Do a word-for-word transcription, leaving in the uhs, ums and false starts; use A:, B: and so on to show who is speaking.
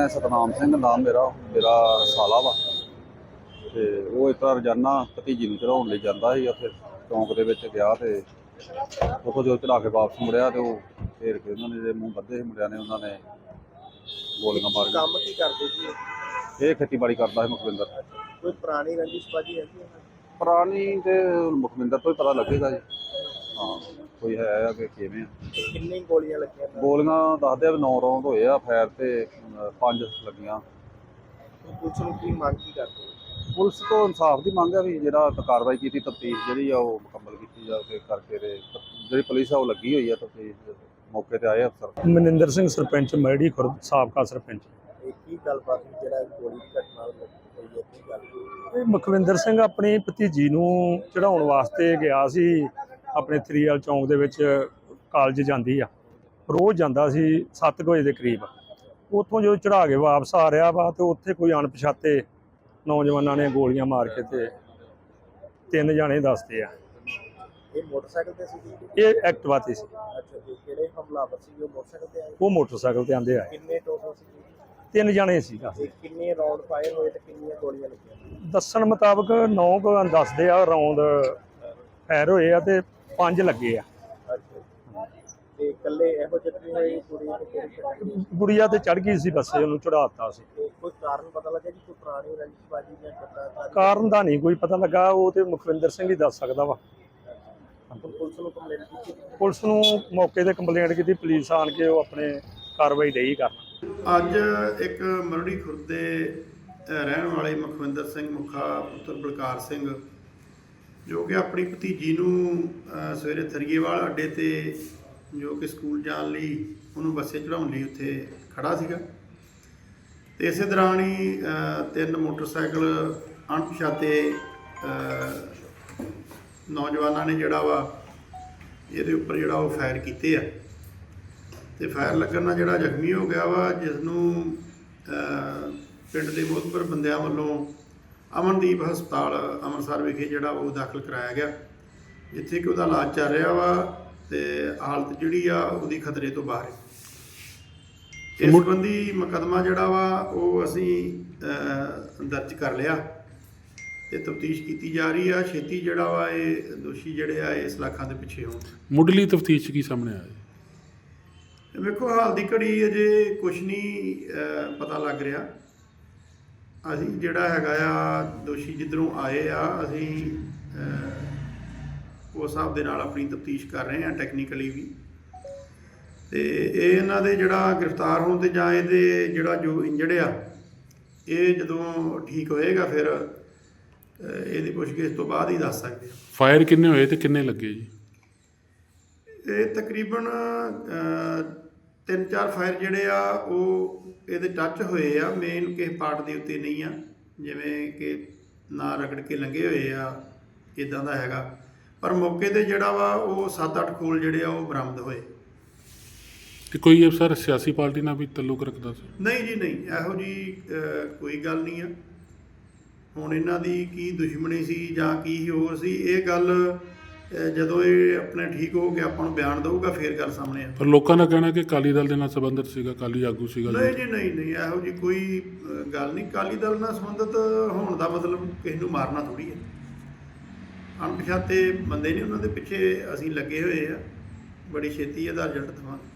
A: मैं सतनाम सिंह नाम मेरा मेरा साला वा ते वो इस तरह रोजाना भतीजी नूं चढ़ाउण लई जांदा ਸੀ ਉੱਥੇ चौंक दे विच गया ते ਉੱਥੋਂ जो चढ़ा के वापस मुड़िया ते ਉਹ घेर के उन्होंने ਜਿਹੜੇ ਮੂੰਹ ਬੱਧੇ ਸੀ ਮੁੰਡਿਆਂ ਨੇ ਉਹਨਾਂ ਨੇ ਗੋਲੀਆਂ ਮਾਰ ਕੇ।
B: ਕੰਮ ਕੀ ਕਰਦੇ ਸੀ
A: ਇਹ ਖੇਤੀਬਾੜੀ ਕਰਦਾ ਹੈ ਮੁਖਵਿੰਦਰ।
B: ਕੋਈ ਪੁਰਾਣੀ ਰੰਜਿਸ਼ ਬਾਜੀ ਹੈਗੀ ਹੈ?
A: ਪੁਰਾਣੀ ਤੇ ਮੁਖਵਿੰਦਰ ਤੋਂ ਹੀ ਪਤਾ ਲੱਗੇਗਾ ਜੀ। ਹਾਂ ਕੋਈ ਹੈ ਆ ਕਿ ਕਿਵੇਂ ਆ।
B: ਕਿੰਨੀ ਗੋਲੀਆਂ ਲੱਗੀਆਂ?
A: ਗੋਲੀਆਂ ਦੱਸਦੇ ਆ ਵੀ ਨੌ ਰੌਂਦ ਹੋਏ ਆ ਫਾਇਰ ਤੇ ਪੰਜ ਲੱਗੀਆਂ।
B: ਪੁਲਿਸ ਨੂੰ ਕੀ ਮੰਗ ਕੀ ਕਰਦੇ?
A: ਪੁਲਿਸ ਤੋਂ ਇਨਸਾਫ ਦੀ ਮੰਗ ਹੈ ਵੀ ਜਿਹੜਾ ਕਾਰਵਾਈ ਕੀਤੀ ਤਫਤੀਸ਼ ਜਿਹੜੀ ਆ ਉਹ ਮੁਕੰਮਲ ਕੀਤੀ ਜਾਵੇ ਕਰਕੇ ਤੇ ਜਿਹੜੀ ਪੁਲਿਸ ਆ ਉਹ ਲੱਗੀ ਹੋਈ ਆ ਤਫਤੀਸ਼ ਮੌਕੇ ਤੇ ਆਏ ਅਫਸਰ।
C: ਮਨਿੰਦਰ ਸਿੰਘ ਸਰਪੰਚ ਮੈੜੀ ਖੁਰਦ ਸਾਬਕਾ ਸਰਪੰਚ।
B: ਇਹ ਕੀ ਗੱਲਬਾਤ ਜਿਹੜਾ ਗੋਲੀ ਦੀ ਘਟਨਾ ਹੋਈ ਹੈ ਕੀ ਗੱਲ?
C: ਇਹ ਮੁਖਵਿੰਦਰ ਸਿੰਘ ਆਪਣੀ ਭਤੀਜੀ ਨੂੰ ਚੜਾਉਣ ਵਾਸਤੇ ਗਿਆ ਸੀ ਆਪਣੇ ਥਰੀਵਾਲ ਚੌਂਕ ਦੇ ਵਿੱਚ। ਕਾਲਜ ਜਾਂਦੀ ਆ ਰੋਜ਼ ਜਾਂਦਾ ਸੀ ਸੱਤ ਵਜੇ ਦੇ ਕਰੀਬ। ਉੱਥੋਂ ਜਦੋਂ ਚੜਾ ਕੇ ਵਾਪਸ ਆ ਰਿਹਾ ਵਾ ਤੇ ਉੱਥੇ ਕੋਈ ਅਣਪਛਾਤੇ ਨੌਜਵਾਨਾਂ ਨੇ ਗੋਲੀਆਂ ਮਾਰ ਕੇ ਤੇ ਤਿੰਨ ਜਾਣੇ ਦੱਸਦੇ ਆ।
B: ਇਹ ਮੋਟਰਸਾਈਕਲ ਤੇ ਸੀ?
C: ਇਹ ਐਕਟਿਵਾ ਤੇ ਸੀ।
B: ਅੱਛਾ ਜੀ, ਕਿਹੜੇ ਹਮਲਾਵਰ ਸੀ ਉਹ ਮੋਟਰਸਾਈਕਲ ਤੇ ਆਏ?
C: ਉਹ ਮੋਟਰਸਾਈਕਲ ਤੇ ਆਂਦੇ ਆ।
B: ਕਿੰਨੇ ਟੋਟਲ ਸੀ?
C: ਤਿੰਨ ਜਾਣੇ ਸੀ।
B: ਤੇ ਕਿੰਨੇ ਰਾਉਂਡ ਫਾਇਰ ਹੋਏ ਤੇ ਕਿੰਨੀਆਂ ਗੋਲੀਆਂ ਲੱਗੀਆਂ?
C: ਦੱਸਣ ਮੁਤਾਬਕ ਨੌ ਕੁ ਦੱਸਦੇ ਆ ਰੌਂਦ ਫਾਇਰ ਹੋਏ ਆ ਤੇ ਪੰਜ ਲੱਗੇ ਆ।
B: ਅੱਛਾ ਤੇ ਇਕੱਲੇ ਇਹੋ ਜਿਹੇ ਹੋਏ ਕੁੜੀ ਤੇ
C: ਗੁੜੀਆ ਤੇ ਚੜ ਗਈ ਸੀ ਬੱਸੇ, ਉਹਨੂੰ ਚੜਾਤਾ ਸੀ।
B: ਕੋਈ ਕਾਰਨ ਪਤਾ ਲੱਗਾ ਜੀ? ਕੋਈ ਪੁਰਾਣੀ ਰੰਜਿਸ਼ ਬਾਜੀ ਜਾਂ ਕਿੱਦਾਂ?
C: ਕਾਰਨ ਦਾ ਨਹੀਂ ਕੋਈ ਪਤਾ ਲੱਗਾ, ਉਹ ਤੇ ਮੁਖਵਿੰਦਰ ਸਿੰਘ ਹੀ ਦੱਸ ਸਕਦਾ ਵਾ।
B: ਪੁਲਿਸ ਨੂੰ ਕੰਪਲੇਂਟ ਕੀਤੀ?
C: ਪੁਲਿਸ ਨੂੰ ਮੌਕੇ ਤੇ ਕੰਪਲੇਂਟ ਕੀਤੀ, ਪੁਲਿਸ ਆਣ ਕੇ ਉਹ ਆਪਣੇ ਕਾਰਵਾਈ ਡਈ ਕਰਨ।
D: ਅੱਜ ਇੱਕ ਮਰੜੀ ਖੁਰਦ ਦੇ ਰਹਿਣ ਵਾਲੇ ਮੁਖਵਿੰਦਰ ਸਿੰਘ ਮੁਖਾ ਪੁੱਤਰ ਬਲਕਾਰ ਸਿੰਘ ਜੋ ਕਿ ਆਪਣੀ ਭਤੀਜੀ ਨੂੰ ਸਵੇਰੇ ਥਰੀਏਵਾਲ ਅੱਡੇ ਤੇ ਜੋ ਕਿ ਸਕੂਲ ਜਾਣ ਲਈ ਉਹਨੂੰ ਬੱਸੇ ਚੜਾਉਣ ਲਈ ਉੱਥੇ ਖੜਾ ਸੀਗਾ ਤੇ ਇਸੇ ਦੌਰਾਨ ਹੀ ਤਿੰਨ ਮੋਟਰਸਾਈਕਲ ਅਣਪਛਾਤੇ ਨੌਜਵਾਨਾਂ ਨੇ ਜਿਹੜਾ ਵਾ ਇਹਦੇ ਉੱਪਰ ਜਿਹੜਾ ਉਹ ਫਾਇਰ ਕੀਤੇ ਆ ਤੇ ਫਾਇਰ ਲੱਗਣ ਨਾਲ ਜਿਹੜਾ ਜ਼ਖਮੀ ਹੋ ਗਿਆ ਵਾ, ਜਿਸ ਨੂੰ ਪਿੰਡ ਦੇ ਮੋਹਤਬਰ ਬੰਦਿਆਂ ਵੱਲੋਂ ਅਮਨਦੀਪ ਹਸਪਤਾਲ ਅੰਮ੍ਰਿਤਸਰ ਵਿਖੇ ਜਿਹੜਾ ਉਹ ਦਾਖਲ ਕਰਾਇਆ ਗਿਆ, ਜਿੱਥੇ ਕਿ ਉਹਦਾ ਇਲਾਜ ਚੱਲ ਰਿਹਾ ਵਾ ਤੇ ਹਾਲਤ ਜਿਹੜੀ ਆ ਉਹਦੀ ਖਤਰੇ ਤੋਂ ਬਾਹਰ ਹੈ। ਇਸ ਸੰਬੰਧੀ ਮੁਕੱਦਮਾ ਜਿਹੜਾ ਵਾ ਉਹ ਅਸੀਂ ਦਰਜ ਕਰ ਲਿਆ ਤੇ ਤਫਤੀਸ਼ ਕੀਤੀ ਜਾ ਰਹੀ ਆ। ਛੇਤੀ ਜਿਹੜਾ ਵਾ ਇਹ ਦੋਸ਼ੀ ਜਿਹੜੇ ਆ ਇਸ ਲਾਖਾਂ ਦੇ ਪਿੱਛੇ ਹੋਣ।
E: ਮੁੱਢਲੀ ਤਫਤੀਸ਼ ਕੀ ਸਾਹਮਣੇ ਆਇਆ?
D: ਵੇਖੋ ਹਾਲ ਦੀ ਘੜੀ ਅਜੇ ਕੁਛ ਨਹੀਂ ਪਤਾ ਲੱਗ ਰਿਹਾ। ਅਸੀਂ ਜਿਹੜਾ ਹੈਗਾ ਆ ਦੋਸ਼ੀ ਜਿੱਧਰੋਂ ਆਏ ਆ ਅਸੀਂ ਉਸ ਹਿਸਾਬ ਦੇ ਨਾਲ ਆਪਣੀ ਤਫਤੀਸ਼ ਕਰ ਰਹੇ ਹਾਂ ਟੈਕਨੀਕਲੀ ਵੀ। ਤੇ ਇਹ ਇਹਨਾਂ ਦੇ ਜਿਹੜਾ ਗ੍ਰਿਫਤਾਰ ਹੋਣ ਤੇ ਜਾਂ ਇਹਦੇ ਜਿਹੜਾ ਜੋ ਇੰਜਰਡ ਆ ਇਹ ਜਦੋਂ ਠੀਕ ਹੋਏਗਾ ਫਿਰ ਇਹਦੀ ਪੁੱਛਗਿੱਛ ਤੋਂ ਬਾਅਦ ਹੀ ਦੱਸ ਸਕਦੇ ਹਾਂ।
E: ਫਾਇਰ ਕਿੰਨੇ ਹੋਏ ਤੇ ਕਿੰਨੇ ਲੱਗੇ ਜੀ?
D: ਇਹ ਤਕਰੀਬਨ ਤਿੰਨ ਚਾਰ ਫਾਇਰ ਜਿਹੜੇ ਆ ਉਹ ਇਹਦੇ ਟੱਚ ਹੋਏ ਆ, ਮੇਨ ਕਿਸੇ ਪਾਰਟ ਦੇ ਉੱਤੇ ਨਹੀਂ ਆ, ਜਿਵੇਂ ਕਿ ਨਾ ਰਗੜ ਕੇ ਲੰਘੇ ਹੋਏ ਆ ਇੱਦਾਂ ਦਾ ਹੈਗਾ। ਪਰ ਮੌਕੇ 'ਤੇ ਜਿਹੜਾ ਵਾ ਉਹ ਸੱਤ ਅੱਠ ਖੋਲ ਜਿਹੜੇ ਆ ਉਹ ਬਰਾਮਦ ਹੋਏ।
E: ਤੇ ਕੋਈ ਅਫਸਰ ਸਿਆਸੀ ਪਾਰਟੀ ਨਾਲ ਵੀ ਤਾਲੁਕ ਰੱਖਦਾ ਸੀ?
D: ਨਹੀਂ ਜੀ ਨਹੀਂ, ਇਹੋ ਜੀ ਕੋਈ ਗੱਲ ਨਹੀਂ ਆ। ਹੁਣ ਇਹਨਾਂ ਦੀ ਕੀ ਦੁਸ਼ਮਣੀ ਸੀ ਜਾਂ ਕੀ ਹੋਰ ਸੀ ਇਹ ਗੱਲ ਜਦੋਂ ਇਹ ਆਪਣੇ ਠੀਕ ਹੋ ਕੇ ਆਪਾਂ ਨੂੰ ਬਿਆਨ ਦਊਗਾ ਫਿਰ ਗੱਲ ਸਾਹਮਣੇ ਆ।
E: ਪਰ ਲੋਕਾਂ ਦਾ ਕਹਿਣਾ ਕਿ ਅਕਾਲੀ ਦਲ ਦੇ ਨਾਲ ਸੰਬੰਧਿਤ ਸੀਗਾ, ਅਕਾਲੀ ਆਗੂ ਸੀਗਾ।
D: ਨਹੀਂ ਜੀ ਨਹੀਂ ਨਹੀਂ, ਇਹੋ ਜੀ ਕੋਈ ਗੱਲ ਨਹੀਂ। ਅਕਾਲੀ ਦਲ ਨਾਲ ਸੰਬੰਧਿਤ ਹੋਣ ਦਾ ਮਤਲਬ ਕਿਸੇ ਨੂੰ ਮਾਰਨਾ ਥੋੜ੍ਹੀ ਹੈ। ਅਣਪਛਾਤੇ ਬੰਦੇ ਨੇ, ਉਹਨਾਂ ਦੇ ਪਿੱਛੇ ਅਸੀਂ ਲੱਗੇ ਹੋਏ ਆ। ਬੜੀ ਛੇਤੀ ਇਹਦਾ ਰਿਜ਼ਲਟ ਦੇਵਾਂਗੇ।